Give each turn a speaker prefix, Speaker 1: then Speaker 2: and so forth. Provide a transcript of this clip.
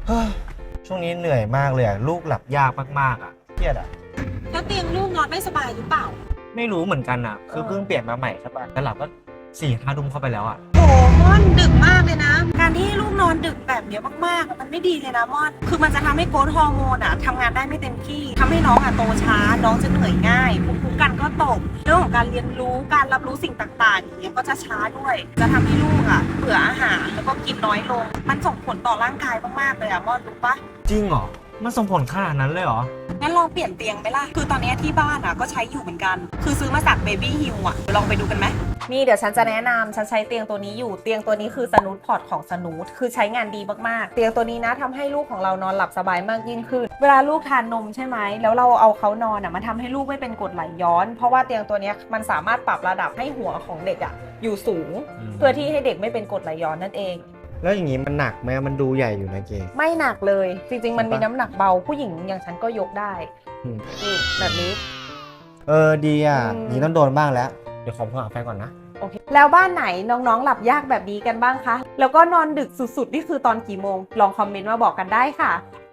Speaker 1: เฮ้ยช่วงนี้เหนื่อยมากเลยอะลูกหลับยากมากๆอะเครียดอะ
Speaker 2: แล้วเตียงลูกนอนไม่สบายหรือเปล่า
Speaker 1: ไม่รู้เหมือนกันอะคือเพิ่งเปลี่ยนมาใหม่ใช่ปะแต่หลับก็4-5 ทุ่มเข้าไปแล้วอะ
Speaker 2: โอ้ม่อนดึกมากเลยนะ การที่ให้ลูกนอนดึกแบบเนี้ยมากๆมันไม่ดีเลยนะม่อน คือมันจะทำให้โกรทฮอร์โมนทำงานได้ไม่เต็มที่ทำให้น้องโตช้าน้องจะเหนื่อยง่ายภูมิคุ้มกันก็ตกเรื่องของการเรียนรู้การรับรู้สิ่งต่างๆอย่างเงี้ยก็จะช้าด้วย จะทำให้ลูกเบื่ออาหารแล้วก็กินน้อยลง มันส่งผลต่อร่างกายมากๆเลยม่อนรู้ปะ
Speaker 1: จริงเหรอมันส่งผลขนาดนั้นเลยเหรอ
Speaker 2: งั้นลองเปลี่ยนเตียงไหมล่ะ คือตอนนี้ที่บ้านก็ใช้อยู่เหมือนกัน คือซื้อมาจากเบบี้ฮิลลองไปดูกันไหมนี่เดี๋ยวฉันจะแนะนำฉันใช้เตียงตัวนี้อยู่ เตียงตัวนี้คือสนูทพอร์ตของสนูทคือใช้งานดีมากๆ เตียงตัวนี้นะทำให้ลูกของเรานอนหลับสบายมากยิ่งขึ้น เวลาลูกทานนมใช่ไหม แล้วเราเอาเขานอนมันทำให้ลูกไม่เป็นกรดไหลย้อน เพราะว่าเตียงตัวนี้มันสามารถปรับระดับให้หัวของเด็กอยู่สูง เพื่อที่ให้เด็กไม่เป็นกรดไหลย้อนนั่นเอง
Speaker 1: แล้วอย่างนี้มันหนักไหมมันดูใหญ่อยู่นะเก
Speaker 2: ไม่หนักเลย จริงๆมันมีน้ำหนักเบาผู้หญิงอย่างฉันก็ยกได้
Speaker 1: อืม
Speaker 2: นี่แบบนี้
Speaker 1: ดีอ่ะ
Speaker 2: อืม
Speaker 1: นี่ต้องโดนบ้างแล้วเดี๋ยวขอโทรหาแฟนก่อนนะ
Speaker 2: โอเคแล้วบ้านไหนน้องๆหลับยากแบบนี้กันบ้างคะ แล้วก็นอนดึกสุดๆนี่คือตอนกี่โมง ลองคอมเมนต์มาบอกกันได้ค่ะ